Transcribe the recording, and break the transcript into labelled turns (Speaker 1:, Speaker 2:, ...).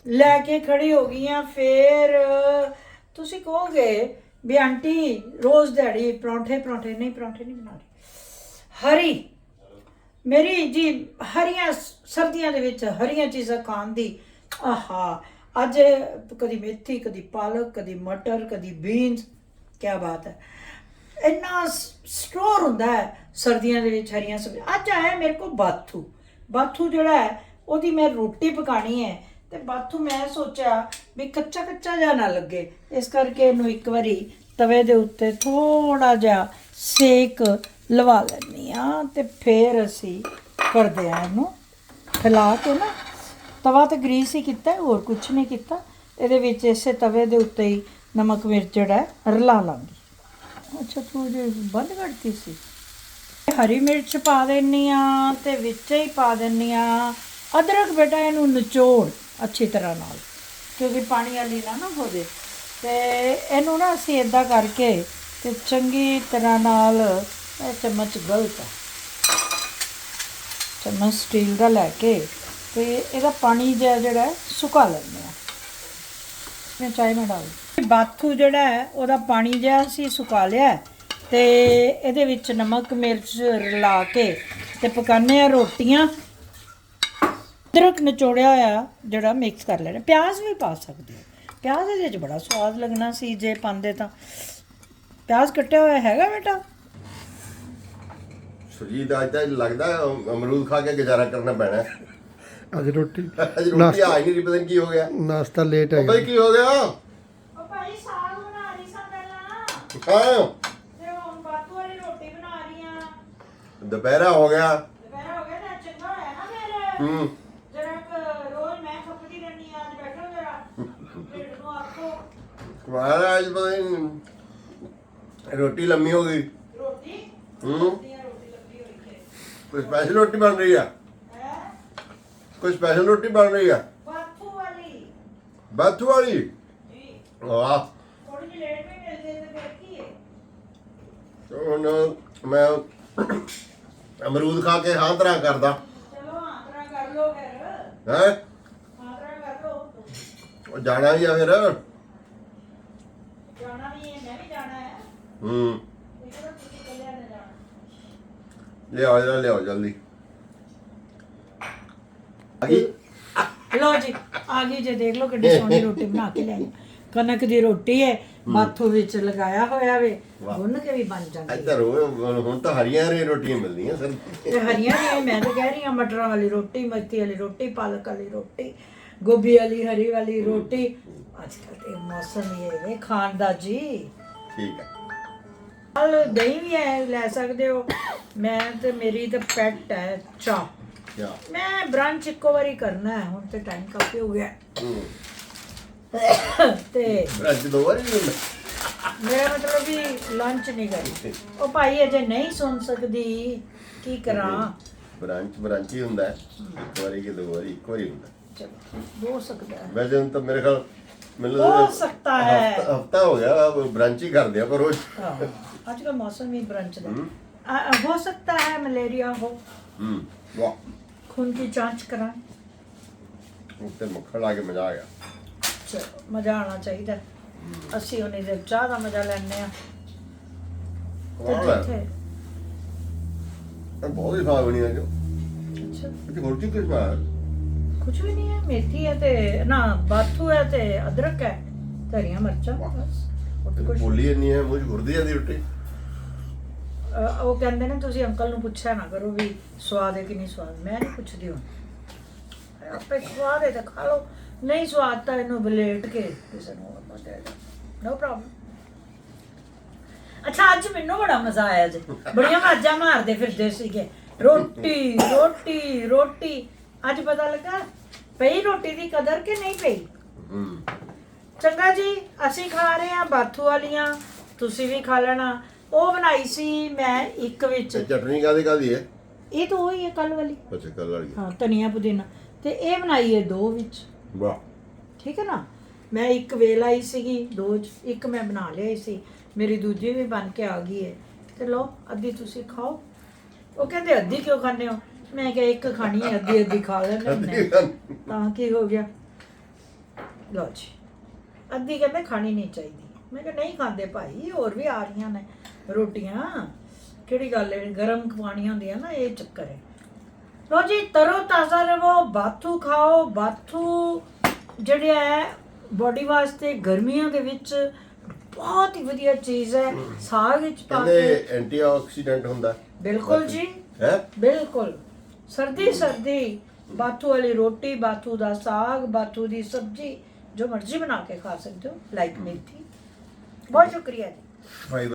Speaker 1: ਲੈके ਖੜੀ ਹੋ ਗਈ ਆ। ਫਿਰ ਤੁਸੀਂ ਕਹੋਗੇ ਵੀ ਆਂਟੀ ਰੋਜ਼ ਦਿਹਾੜੀ ਪਰੌਂਠੇ ਨਹੀਂ ਬਣਾ ਰਹੀ। ਹਰੀ ਮੇਰੀ ਜੀ ਹਰੀਆਂ ਸਰਦੀਆਂ ਦੇ ਵਿੱਚ ਹਰੀਆਂ ਚੀਜ਼ਾਂ ਖਾਣ ਦੀ ਆਹਾ। ਅੱਜ ਕਦੀ ਮੇਥੀ, ਕਦੀ ਪਾਲਕ, ਕਦੀ ਮਟਰ, ਕਦੀ ਬੀਨਸ। ਕੀ ਬਾਤ ਹੈ। ਇੰਨਾ ਸਟੋਰ ਹੁੰਦਾ ਹੈ ਸਰਦੀਆਂ ਦੇ ਵਿੱਚ ਹਰੀਆਂ ਸਬਜ਼ੀਆਂ। ਅੱਜ ਆਇਆ ਮੇਰੇ ਕੋਲ ਬਾਥੂ ਜਿਹੜਾ ਹੈ ਉਹਦੀ ਮੈਂ ਰੋਟੀ ਪਕਾਣੀ ਹੈ। ਤੇ ਬਾਥੂ ਮੈਂ ਸੋਚਿਆ ਵੀ ਕੱਚਾ ਜਿਹਾ ਨਾ ਲੱਗੇ, ਇਸ ਕਰਕੇ ਇਹਨੂੰ ਇੱਕ ਵਾਰੀ ਤਵੇ ਦੇ ਉੱਤੇ ਥੋੜਾ ਜਿਹਾ ਸੇਕ ਲਵਾ ਲੈਂਦੀ ਹਾਂ। ਤੇ ਫਿਰ ਅਸੀਂ ਕਰਦੇ ਹਾਂ ਇਹਨੂੰ ਹਿਲਾ ਕੇ ਨਾ। ਤਵਾ ਤੇ ਗਰੀਸ ਹੀ ਕੀਤਾ, ਹੋਰ ਕੁਛ ਨਹੀਂ ਕੀਤਾ। ਇਹਦੇ ਵਿੱਚ ਇਸੇ ਤਵੇ ਦੇ ਉੱਤੇ ਹੀ ਨਮਕ ਮਿਰਚ ਜਿਹੜਾ ਰਲਾ ਲਾਂਗੀ। ਅੱਛਾ ਤੂੰ ਜੇ ਬੰਦ ਕਰਤੀ ਸੀ। ਹਰੀ ਮਿਰਚ ਪਾ ਦਿੰਦੀ ਹਾਂ ਤੇ ਵਿੱਚ ਹੀ ਪਾ ਦਿੰਦੀ ਹਾਂ ਅਦਰਕ। ਬੇਟਾ ਇਹਨੂੰ ਨਿਚੋੜ ਅੱਛੀ ਤਰ੍ਹਾਂ ਨਾਲ, ਕਿਉਂਕਿ ਪਾਣੀ ਵਾਲੀ ਨਾ ਹੋਵੇ। ਤੇ ਇਹਨੂੰ ਨਾ ਅਸੀਂ ਇੱਦਾਂ ਕਰਕੇ ਤੇ ਚੰਗੀ ਤਰ੍ਹਾਂ ਨਾਲ, ਇਹ ਚਮਚ ਗਲਤ ਹੈ, ਚਮਚ ਸਟੀਲ ਦਾ ਲੈ ਕੇ ਤੇ ਇਹਦਾ ਪਾਣੀ ਜਿਹੜਾ ਸੁਕਾ ਲੈਂਦੇ ਹਾਂ। ਮੈਂ ਚਾਹ ਮੈਂ ਡਾਲ ਬਾਥੂ ਜਿਹੜਾ ਹੈ ਉਹਦਾ ਪਾਣੀ ਜਿਹਾ ਅਸੀਂ ਸੁਕਾ ਲਿਆ ਤੇ ਇਹਦੇ ਵਿੱਚ ਨਮਕ ਮਿਰਚ ਰਲਾ ਕੇ ਤੇ ਪਕਾਉਂਦੇ ਆ ਰੋਟੀਆਂ। ਅਦਰਕ ਨਿਚੋੜਿਆ ਹੋਇਆ ਜਿਹੜਾ ਮਿਕਸ ਕਰ ਲੈਣਾ। ਪਿਆਜ਼ ਵੀ ਪਾ ਸਕਦੇ ਹੋ, ਪਿਆਜ਼ ਇਹਦੇ 'ਚ ਬੜਾ ਸਵਾਦ ਲੱਗਣਾ ਸੀ ਜੇ ਪਾਉਂਦੇ ਤਾਂ। ਪਿਆਜ਼ ਕੱਟਿਆ ਹੋਇਆ ਹੈਗਾ ਬੇਟਾ?
Speaker 2: ਸੁਰਜੀਤ ਅੱਜ ਤਾਂ ਲੱਗਦਾ ਅਮਰੂਦ ਖਾ ਕੇ ਗੁਜ਼ਾਰਾ ਕਰਨਾ ਪੈਣਾ।
Speaker 3: ਅੱਜ ਰੋਟੀ
Speaker 2: ਰੋਟੀ ਆ ਹੀ ਨਹੀਂ ਰਹੀ, ਪਤਾ ਨਹੀਂ ਕੀ ਹੋ ਗਿਆ।
Speaker 3: ਨਾਸ਼ਤਾ ਲੇਟ ਹੈ
Speaker 2: ਬਈ ਕੀ ਹੋ ਗਿਆ?
Speaker 1: ਉਹ ਭਾਈ ਸਾਗ ਬਣਾ ਰਹੀ ਸਾਂ ਪਹਿਲਾਂ,
Speaker 2: ਹਾਂ
Speaker 1: ਤੇ ਹੁਣ ਬਾਥੂ ਵਾਲੀ ਰੋਟੀ ਬਣਾ ਰਹੀ ਆ।
Speaker 2: ਦੁਪਹਿਰਾ ਹੋ ਗਿਆ।
Speaker 1: ਦੁਪਹਿਰ ਹੋ ਗਿਆ ਨਾ, ਚੰਗਾ ਹੋਇਆ ਨਾ ਫਿਰ। ਜਰਾ ਰੋਜ਼ ਮੈਂ ਖੱਪਦੀ ਰਹਿੰਦੀ ਆ, ਅੱਜ ਬੈਠੋ ਜਰਾ ਢਿੱਡ ਨੂੰ ਆਖੋ।
Speaker 2: ਮਹਾਰਾਜ ਪਤਾ ਨਹੀਂ ਰੋਟੀ ਲੰਮੀ ਹੋ ਗਈ।
Speaker 1: ਰੋਟੀ
Speaker 2: ਰੋਟੀ
Speaker 1: ਲੱਗੀ ਹੋਈ ਹੈ।
Speaker 2: ਕੋਈ ਸਪੈਸ਼ਲ ਰੋਟੀ ਬਣ ਰਹੀ ਆ?
Speaker 1: ਹੈ
Speaker 2: ਕੋਈ ਸਪੈਸ਼ਲ ਰੋਟੀ ਬਣ ਰਹੀ ਆ?
Speaker 1: ਬਾਥੂ ਵਾਲੀ
Speaker 2: ਬਾਥੂ ਵਾਲੀ?
Speaker 1: ਜੀ।
Speaker 2: ਵਾਹ।
Speaker 1: ਥੋੜੀ ਜਿਹੀ ਲੇਟ ਵੀ ਮਿਲਦੇ ਤੇ ਫਿਰ ਕੀ ਹੈ।
Speaker 2: ਹੁਣ ਮੈਂ ਅਮਰੂਦ ਖਾ ਕੇ ਹਾਂ ਤਰ੍ਹਾਂ ਕਰਦਾ।
Speaker 1: ਚਲੋ ਆਂਤਰਾ ਕਰ ਲੋ ਫਿਰ।
Speaker 2: ਹੈ
Speaker 1: ਆਂਤਰਾ ਕਰ ਲੋ।
Speaker 2: ਉਹ ਜਾਣਾ ਹੀ ਆ ਫਿਰ।
Speaker 1: ਜਾਣਾ ਵੀ ਹੈ, ਮੈਂ ਵੀ ਜਾਣਾ ਹੈ।
Speaker 2: ਹੂੰ
Speaker 1: ਦੇਖੋ ਤੁਸੀਂ ਕੱਲਿਆਂ ਨੇ ਜਾਣਾ।
Speaker 2: ਲਿਆਓ ਜਲਦੀ। ਆ ਗਈ?
Speaker 1: ਲੋ ਜੀ ਆ ਗਈ ਜੇ। ਦੇਖ ਲਓ ਕਿੱਡੀ ਸੋਹਣੀ ਰੋਟੀ ਬਣਾ ਕੇ ਲਿਆਈ। ਕਣਕ ਦੀ ਰੋਟੀ ਹੈ, ਬਾਥੂ ਵਿੱਚ ਲਗਾਇਆ ਹੋਇਆ ਵੇ, ਗੁੰਨ ਕੇ ਵੀ ਬਣ ਜਾਂਦੀ ਹੈ।
Speaker 2: ਇੱਧਰ ਹੁਣ ਤਾਂ ਹਰੀਆਂ ਰੋਟੀਆਂ ਮਿਲਦੀਆਂ ਸਰ।
Speaker 1: ਤੇ ਹਰੀਆਂ ਨੇ ਮੈਂ ਤਾਂ ਕਹਿ ਰਹੀ ਹਾਂ, ਮਟਰਾਂ ਵਾਲੀ ਰੋਟੀ, ਮੇਥੀ ਵਾਲੀ ਰੋਟੀ, ਪਾਲਕ ਵਾਲੀ ਰੋਟੀ, ਗੋਭੀ ਵਾਲੀ, ਹਰੀ ਵਾਲੀ ਰੋਟੀ। ਅੱਜ ਕੱਲ੍ਹ ਤੇ ਮੌਸਮ ਹੀ ਹੈ ਵੇ ਖਾਣ ਦਾ ਜੀ।
Speaker 2: ਠੀਕ ਹੈ।
Speaker 1: ਨਾਲ ਦਹੀਂ ਵੀ ਹੈ, ਲੈ ਸਕਦੇ ਹੋ। ਮੈਂ ਤੇ ਮੇਰੀ ਤਾਂ ਪੈਟ ਹੈ ਚਾਹ।
Speaker 2: ਕਿਆ?
Speaker 1: ਮੈਂ ਬ੍ਰੰਚ ਇੱਕੋ ਵਾਰੀ ਕਰਨਾ ਹੈ, ਹੁਣ ਤੇ ਟਾਈਮ ਕਾਫੀ ਹੋ ਗਿਆ ਤੇ
Speaker 2: ਅੱਜ ਦੋ ਵਾਰੀ ਨਹੀਂ ਹੁੰਦਾ।
Speaker 1: ਮੇਰਾ ਮਤਲਬ ਵੀ ਲੰਚ ਨਹੀਂ ਕਰੀ। ਉਹ ਭਾਈ ਅਜੇ ਨਹੀਂ ਸੁਣ ਸਕਦੀ, ਕੀ ਕਰਾਂ।
Speaker 2: ਬ੍ਰਾਂਚ ਹੀ ਹੁੰਦਾ ਹੈ। ਇੱਕ ਵਾਰੀ ਕਿ ਦੋ ਵਾਰੀ? ਇੱਕ ਵਾਰੀ ਹੁੰਦਾ।
Speaker 1: ਚਲੋ ਹੋ ਸਕਦਾ ਹੈ,
Speaker 2: ਵੈਸੇ ਤਾਂ ਮੇਰੇ ਖਿਆਲ ਮੈਨੂੰ
Speaker 1: ਹੋ ਸਕਤਾ ਹੈ।
Speaker 2: ਹਫਤਾ ਹੋ ਗਿਆ ਬ੍ਰਾਂਚ ਹੀ ਕਰਦੇ ਆ ਪਰ ਰੋਜ਼।
Speaker 1: ਅੱਜ ਕੱਲ ਮੌਸਮ ਹੀ ਬ੍ਰੰਚ ਦਾ। ਹੋ ਸਕता है मलेरिया हो।
Speaker 2: ਵਾਹ।
Speaker 1: खून की जांच कराएं।
Speaker 2: ਉੱਤੇ ਮੱਖਣ ਲਾ ਕੇ ਮਜ਼ਾ ਆ ਗਿਆ।
Speaker 1: ਚਲੋ ਮਜ਼ਾ ਆਉਣਾ ਚਾਹੀਦਾ। ਅਸੀਂ ਉਹਨੇ ਦੇ ਚਾਹ ਦਾ ਮਜ਼ਾ ਲੈਣੇ ਆ। ਤੇ ਜਿੱਥੇ
Speaker 2: ਬਹੁਤ ਹੀ ਸਵਾਦ ਬਣੀ ਅੱਜ।
Speaker 1: ਅੱਛਾ
Speaker 2: ਇੱਥੇ ਹੋਰ ਕੀ ਕੁਝ ਪਾਇਆ?
Speaker 1: ਕੁਝ ਵੀ ਨਹੀਂ ਹੈ। ਮੇਥੀ ਹੈ ਤੇ ਨਾ ਬਾਥੂ ਹੈ ਤੇ ਅਦਰਕ ਹੈ, ਹਰੀਆਂ ਮਿਰਚਾਂ ਬਸ। ਹੋਰ ਤਾਂ ਕੁਛ
Speaker 2: ਬੋਲੀ ਇੰਨੀ ਹੈ ਮੂੰਹ 'ਚ ਘੁਰਦੀ ਜਾਂਦੀ ਰੋਟੀ।
Speaker 1: ਉਹ ਕਹਿੰਦੇ ਨੇ ਤੁਸੀਂ ਅੰਕਲ ਨੂੰ ਪੁੱਛਿਆ ਨਾ ਕਰੋ ਵੀ ਸਵਾਦ ਹੈ ਕਿ ਨਹੀਂ ਸਵਾਦ। ਮੈਂ ਨਹੀਂ ਪੁੱਛਦੀ ਹੁਣ, ਆਪੇ ਸਵਾਦ ਹੈ ਤਾਂ ਖਾ ਲਓ, ਨਹੀਂ ਸਵਾਦ ਤਾਂ ਇਹਨੂੰ ਬਲੇਟ ਕੇ ਕਿਸੇ ਨੂੰ ਹੋਰ ਪਾ ਦੇ। No problem. ਅੱਛਾ ਅੱਜ ਮੈਨੂੰ ਬੜਾ ਮਜ਼ਾ ਆਇਆ ਜੀ। ਬੜੀਆਂ ਆਵਾਜ਼ਾਂ ਮਾਰਦੇ ਫਿਰਦੇ ਸੀਗੇ, ਰੋਟੀ ਰੋਟੀ ਰੋਟੀ। ਅੱਜ ਪਤਾ ਲੱਗਾ ਪਈ ਰੋਟੀ ਦੀ ਕਦਰ ਕਿ ਨਹੀਂ ਪਈ। ਚੰਗਾ ਜੀ, ਅਸੀਂ ਖਾ ਰਹੇ ਹਾਂ ਬਾਥੂ ਵਾਲੀਆਂ, ਤੁਸੀਂ ਵੀ ਖਾ ਲੈਣਾ। ਉਹ ਬਣਾਈ ਸੀ ਮੈਂ ਇੱਕ ਵਿੱਚ।
Speaker 2: ਚਟਨੀ ਕਾਦੀ ਹੈ?
Speaker 1: ਇਹ ਤਾਂ ਉਹੀ ਹੈ ਕੱਲ ਵਾਲੀ।
Speaker 2: ਅੱਛਾ ਕੱਲ ਵਾਲੀ।
Speaker 1: ਹਾਂ ਧਨੀਆ ਪੁਦੀਨਾ। ਤੇ ਇਹ ਬਣਾਈ ਹੈ ਦੋ ਵਿੱਚ।
Speaker 2: ਵਾਹ।
Speaker 1: ਠੀਕ ਹੈ ਨਾ। ਮੈਂ ਇੱਕ ਵੇਲ ਆਈ ਸੀਗੀ, ਦੋ ਚ ਇੱਕ ਮੈਂ ਬਣਾ ਲਿਆਈ ਸੀ। ਮੇਰੀ ਦੂਜੀ ਵੀ ਬਣ ਕੇ ਆ ਗਈ ਹੈ। ਤੇ ਲਓ ਅੱਧੀ ਤੁਸੀਂ ਖਾਓ। ਉਹ ਕਹਿੰਦੇ ਅੱਧੀ ਕਿਉਂ ਖਾਂਦੇ ਹੋ? ਮੈਂ ਕਿਹਾ ਇੱਕ ਖਾਣੀ ਹੈ, ਅੱਧੀ ਅੱਧੀ ਖਾ ਲੈਂਦੇ ਹੁੰਦੇ ਹਾਂ। ਤਾਂ ਕੀ ਹੋ ਗਿਆ। ਲਓ ਜੀ, ਅੱਧੀ ਕਹਿੰਦੇ ਖਾਣੀ ਨਹੀਂ ਚਾਹੀਦੀ। ਮੈਂ ਕਿਹਾ ਨਹੀਂ ਖਾਂਦੇ ਭਾਈ, ਹੋਰ ਵੀ ਆ ਰਹੀਆਂ ਨੇ ਰੋਟੀਆਂ, ਕਿਹੜੀ ਗੱਲ ਹੈ, ਗਰਮ ਖਵਾਣੀਆਂ ਹੁੰਦੀਆਂ ਨਾ, ਇਹ ਚੱਕਰ ਹੈ। ਲਓ ਜੀ, ਤਰੋ ਤਾਜ਼ਾ ਰਵੋ, ਬਾਥੂ ਖਾਓ। ਬਾਥੂ ਜਿਹੜਾ ਹੈ ਬੋਡੀ ਵਾਸਤੇ ਗਰਮੀਆਂ ਦੇ ਵਿੱਚ ਬਹੁਤ ਹੀ ਵਧੀਆ ਚੀਜ਼ ਹੈ। ਸਾਗ ਵਿੱਚ ਪਾ
Speaker 2: ਕਹਿੰਦੇ
Speaker 1: ਕੇ,
Speaker 2: ਐਂਟੀਆਕਸੀਡੈਂਟ ਹੁੰਦਾ।
Speaker 1: ਬਿਲਕੁਲ ਜੀ,
Speaker 2: ਹੈ
Speaker 1: ਬਿਲਕੁਲ। ਸਰਦੀ ਬਾਥੂ ਵਾਲੀ ਰੋਟੀ, ਬਾਥੂ ਦਾ ਸਾਗ, ਬਾਥੂ ਦੀ ਸਬਜ਼ੀ, ਜੋ ਮਰਜ਼ੀ ਬਣਾ ਕੇ ਖਾ ਸਕਦੇ ਹੋ, ਲਾਈਕ ਮੇਥੀ। ਬਹੁਤ ਸ਼ੁਕਰੀਆ ਜੀ।
Speaker 2: ਫਾਈਬਰ